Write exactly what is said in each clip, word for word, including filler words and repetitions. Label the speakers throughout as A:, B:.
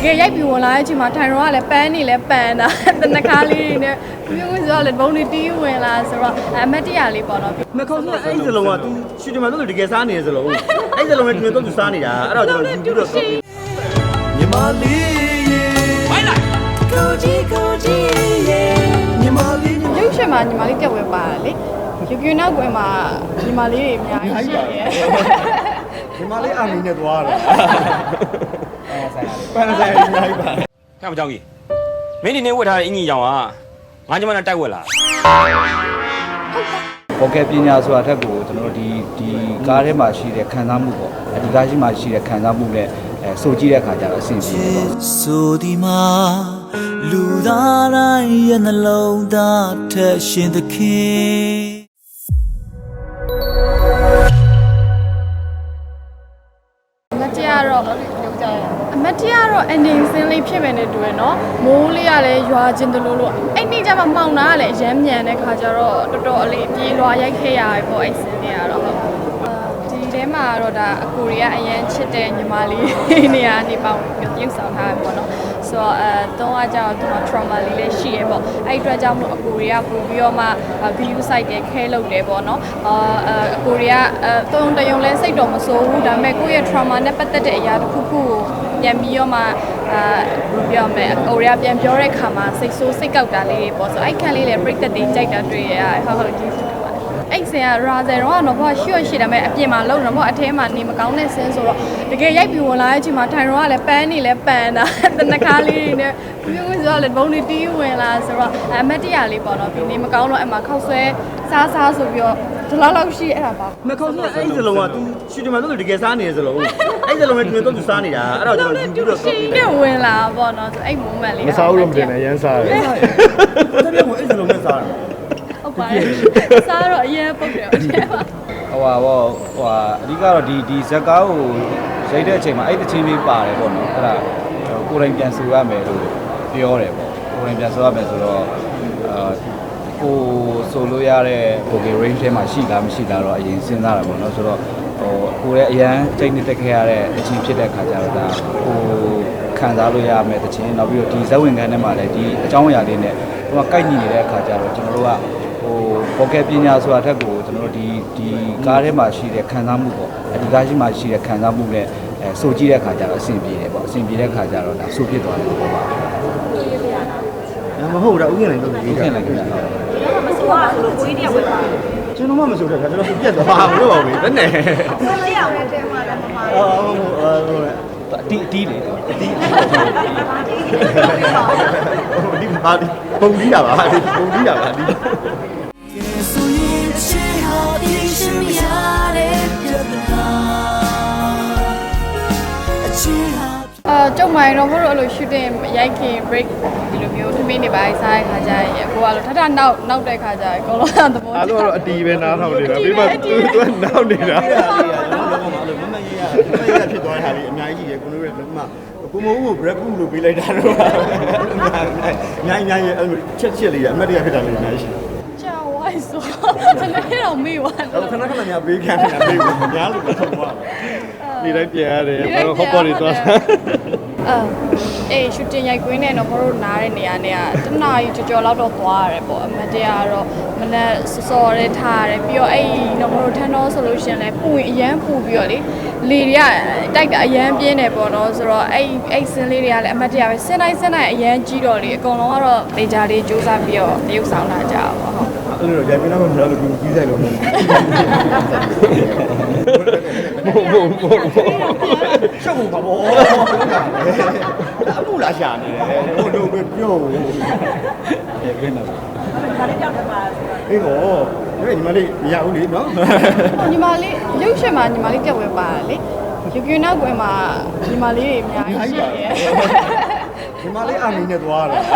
A: ကယ်ရိုက်ပြီးဝင်လာတဲ့အချိန်မှာထိုင်ရောကလည်းပန်းနေလဲပန်းတာတနခါလေးတွေနဲ့မျိုးမျိုးဆိုတော့လည်းဘုံတွေတီးဝင်လာဆိုတော့အမတ်တရလေးပေါ့နော်
B: နှခေါင်းကအဲ့ဒီစလုံးကသူရှူတင်မှာတော့တကယ်စားနေရစလုံးအဲ့စလုံးနဲ့သူတို့သူစားနေတာအဲ့တော့ကျွန်တော်ယူပြီးတော့ညီမလေးဝိုင်းလိုက်ကိုကြီးကိုကြီးညီမလေး
A: ရုပ်ရှင်မှာညီမလေးတက်ဝဲပါတယ်လေယူကျူနောက်ကွယ်မှာညီမလေးတွေအများကြီးရှိရဲ့
B: ညီမလေးအာမီနဲ့သွားတယ်ပန်းဆိုင်ပန်းဆိုင်အများကြီးပါ
C: ခါမကြောင်ကြီးမင်းဒီနေ့ဝတ်ထားတဲ့အင်ကြီးရောင်ကငါကျမနဲ့တိုက်ဝက်လာ
D: ဟုတ်ကဲ့ပညာဆိုတာထက်ကိုကျွန်တော်တို့ဒီဒီကားထဲမှာရှိတဲ့ခံစားမှုပေါ့ဒီကားရှိမှရှိတဲ့ခံစားမှုနဲ့အဲစိုးကြည့်တဲ့အခါကျတော့အဆင်ပြေတယ်ပေါ့
E: ဆိုဒီမှာလူသားတိုင်းရဲ့နှလုံးသားထက်ရှင်သခင်
A: အမတ်တရတော့အမတ်တရတော့အနေစင်းလေးဖြစ်မယ်နဲ့တူရယ်နော်မိုးလေးကလည်းရွာချင်းတလို့လို့အဲ့နေ့ကျမှမှောင်တာကလည်းအရမ်းမြန်တဲ့ခါကျတော့တော်တော်အလေးပြေးလွာရိုက်ခဲ့ရတယ်ပေါ့အဲ့စင်းလေးကတော့ဟုတ်ဒီထဲမှာတော့ဒါအကိုရီးယားအရန်ချစ်တဲ့ညီမလေးနေရာနေပေါင်းပြုတ်ဆောင်ထားတယ်ပေါ့နော်ဆိုတော့အဲတော့အကြောင်းသူက trauma လေးလည်းရှိရပေါ့အဲ့အတွက်ကြောင့်မို့အကိုရီးယားပို့ပြီးတော့မှ view site တွေခဲလုပ်တယ်ပေါ့နော်အာအကိုရီးယားအဲတုံတယုံလဲစိတ်တော်မဆိုးဘူးဒါပေမဲ့ကိုယ့်ရဲ့ trauma နဲ့ပတ်သက်တဲ့အရာတစ်ခုခုကိုပြန်ပြီးတော့မှအာပြောမယ်အကိုရီးယားပြန်ပြောတဲ့ခါမှာစိတ်ဆိုးစိတ်ကောက်တာလေးတွေပေါ့ဆိုအဲ့ခန်းလေးလည်း break တွေကြိုက်တာတွေ့ရဟုတ်ဟုတ်ကျေးဇူးအဲ့ဆင်ကရာဇယ်တော့ကတော့ဘာရှိရရှိတယ်မဲ့အပြင်မှာလုံတော့ဘာအထဲမှာနေမကောင်းတဲ့ဆင်းဆိုတော့တကယ်ရိုက်ပြီးဝင်လာတဲ့အချိန်မှာထိုင်ရောကလည်းပန်းနေလဲပန်းတာတနခါလေးတွေနဲ့မျိုးမျိုးဆိုတော့လည်းဘုံတွေတီးဝင်လာဆိုတော့အမတ်တရလေးပေါ့နော်ဒီနေမကောင်းတော့အမှခောက်ဆွဲစားစားဆိုပြီးတော့ဒီလောက်လောက်ရှိအဲ့ဒါပါ
B: နှခေါင်းကအဲ့ဒီစလုံးကသူရှူတင်မှာတော့တကယ်စားနေရစလုံးအဲ့စလုံးနဲ့သူတို့သူစားနေတာအဲ့တော့ကျွန်တော်ယူပြီးတော့
A: ရှင်းနေဝင်လာပေါ့နော်ဆိုအဲ့ moment လေး
F: မစားဘူးလို့မတင်နဲ့ရမ်းစားတယ်
B: တော်တော်ကိုအဲ့စလုံးနဲ့စားတာ
A: ဟုတ်ပါတယ်စားတော့အရင်ပုတ်တယ်ဟုတ်တယ်ပါ
D: ဟိုဟာဘောဟိုဟာအဓိကတော့ဒီဒီဇက်ကားကိုရိုက်တဲ့အချိန်မှာအဲ့တချင်းလေးပါတယ်ပေါ့နော်အဲ့ဒါကိုယ်တိုင်ပြန်ဆိုရမယ်လို့ပြောတယ်ပေါ့ကိုယ်တိုင်ပြန်ဆိုရမယ်ဆိုတော့အာကိုဆိုလို့ရတဲ့ vocal range ထဲမှာရှိလားမရှိလားတော့အရင်စဉ်းစားတာပေါ့နော်ဆိုတော့ဟိုကိုယ်ရဲ့အရန်ချိန်နေတက်ခဲ့ရတဲ့အချင်းဖြစ်တဲ့ခါကျတော့ဒါဟိုခံစားလို့ရမယ်တချင်းနောက်ပြီးတော့ဒီဇက်ဝင်ခန်းထဲမှာလည်းဒီအကြောင်းအရာလေးနဲ့ဟိုကကိုက်ညီနေတဲ့အခါကျတော့ကျွန်တော်တို့ကဟိုဘောကက်ပညာဆိုတာထက်ကိုကျွန်တော်တို့ဒီဒီကားထဲမှာရှိတဲ့ခံစားမှုပေါ့ဒီကားရှိမှရှိတဲ့ခံစားမှုနဲ့အဲစိုးကြည့်တဲ့အခါကျတော့အဆင်ပြေတယ်ပေါ့အဆင်ပြေတဲ့အခါကျတော့ဒါစိုးဖြစ်သွားတယ်ပေါ့ပါ
B: မဟုတ်တာဥက္ကဋ္ဌလည်းလုပ်ပြီး
D: ခင်လိုက်ခင်ဗျာ
A: မစိုးပါဘူးလို့ကိုကြီးတယောက်ပဲပါ
B: ကျွန်တော်မှမစိုးတဲ့ခါကျွန်တော်ပြက်သွားဘူးလို့ပါပဲဘယ်နဲ့
A: ကိုလေးရောက်တဲ့တဲမှာလည်းမပါဘူး
B: အော်ဟိုဟို
D: အတီးအတီးလေ
B: အတီးဒီပါဒီပုံကြီးရပါဒီပုံကြီးရပါဒီ
E: ဆိုရင်ချေဟာဒီရှင်ရတဲ့ပြဿနာအချေဟာ
A: အာကျုံမိုင်းတော့မဟုတ်လို့အဲ့လို shooting ရိုက်ခင် break ဒီလိုမျိုးထမင်းတွေပါစားတဲ့ခါကျရင်ကိုကလို့ထထနောက်နောက်တဲ့ခါကျရင်အကုန်လုံးသဘော
F: အားလုံးတော့အတီးပဲနားထောင်နေတာပြီးမှသူသူနောက်နေတာ
B: ကျွန်တော်တို့ကမမရရမရရဖြစ်သွားတဲ့ဟာလေးအများကြီးကြီးရယ်ကိုတို့ရဲ့ဒီမှာကိုမိုးကို break ပုလို့ပေးလိုက်တာတော့အများကြီးအများကြီးအဲ့လိုချက်ချက်လေးရအမတ်တရားဖြစ်တာလေးအများကြီး
A: ကြာဝိုင်းဆိုကျွန်တော်တော့မေးသွားတယ်
B: ခဏခဏများပေးခံနေတာမေးဘူးများလို့တော့သွား
F: ဒီတိုင်းပြန်ရတယ်ဟောပေါ်နေသွား
A: အာအေး shooting ရိုက်ကွင်းနဲ့တော့မတို့နားတဲ့နေရာနဲ့ကတနားကြီးကြော်ကြော်လောက်တော့သွားရတယ်ပေါ့အမတ်တရားကတော့မနဲ့စော်ရဲထားရတယ်ပြီးတော့အဲ့တော့မတို့ထန်းတော့ဆိုလို့ရှင်လဲပူရင်အရန်ပူပြီးတော့လေလေတွေကတိုက်တာအရန်ပြင်းတယ်ပေါ့နော်ဆိုတော့အဲ့အဲ့စင်းလေးတွေကလည်းအမတ်တရားပဲစင်းတိုင်းစင်းတိုင်းအရန်ကြီးတော့လေအကုန်လုံးကတော့ဒေဂျာလေးစူးစမ်းပြီးတော့တရုပ်ဆောင်တာကြပါပေါ့
B: အဲ့လိုရိုက်ပြတော့မလို့လို့ကြီးဆိုင်လို့မဟုတ်
F: ဘူးဘို့ဘို့ဘို့
B: ရှောက်ဘူးပါဘောအမှုလာရှာနေတယ်ဟိုလိုပဲပြောဘူး
D: အေးခင်းတော့
A: ဒါလေးကြောက်တယ်ပါ
B: အေးဟောဒီညီမလေးမရဘူးလေနော်
A: ညီမလေးရုပ်ရှင်မှာညီမလေးတက်ဝဲပါတယ်လေယူကျူနောက်ကွယ်မှာညီမလေးတွေအများကြီးရှိတယ်
B: ညီမလေးအာမီနဲ့သွားတယ်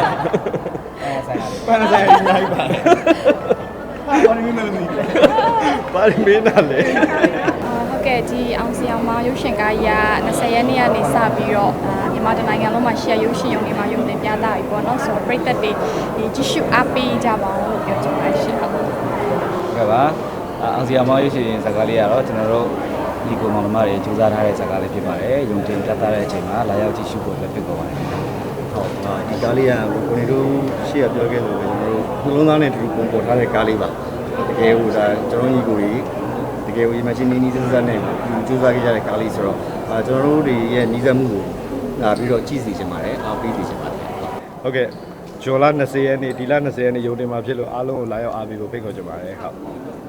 D: ပန်း
B: ဆိုင်ပန်းဆိုင်အများကြီးပါတယ်ဘာလို့မင်းမလို့
F: ဘာလို့မင်းနာလဲ
A: ဟုတ်ကဲ့ဒီအောင်စီအောင်မရုပ်ရှင်ကားကြီးက20ရက်နေ့ကနေစပြီးတော့မြန်မာတိုင်းနိုင်ငံလုံးမှာရှယ်ရုပ်ရှင်ရုံတွေမှာရုံတင်ပြသပြီပေါ့နော်ဆိုတော့ပရိသတ်တွေဒီကြည့်ရှုအားပေးကြပါဦးလို့ပြောချင်ပါတယ်ရှင်ဟုတ်
D: ကဲ့ပါအောင်စီအောင်မရုပ်ရှင်ဇာတ်ကားလေးကတော့ကျွန်တော်တို့ဒီကောင်မောင်နှမတွေစူးစမ်းထားတဲ့ဇာတ်ကားလေးဖြစ်ပါတယ်။ယုံတင်ပြသတဲ့အချိန်မှာလာရောက်ကြည့်ရှုဖို့လည်းဖြစ်ပေါ်ပါတယ်။
B: ဟုတ်ပါဒီကားလေးကကိုနေတို့ရှေ့ကပြောခဲ့လို့ပဲကျွန်တော်တို့နှလုံးသားနဲ့တူပုံပေါ်ထားတဲ့ကားလေးပါတကယ်ဟိုဒါကျွန်တော်ညီကိုကြီးတကယ်ဟို imagine နီးနီးစမ်းစမ်းနဲ့ကြိုးစားခဲ့ကြတဲ့ကားလေးဆိုတော့အာကျွန်တော်တို့တွေရဲ့ညီစက်မှုကိုလာပြီးတော့ကြည့်စီချင်ပါတယ်အားပေးစီချင်ပါတယ်
F: ဟုတ်ကဲ့ဂျော်လာ၂၀ရက်နေ့ဒီလ၂၀ရက်နေ့ရုံတင်မှာဖြစ်လို့အားလုံးကိုလာရောက်အားပေးဖို့ဖိတ်ခေါ်ချင်ပါတယ်ဟုတ်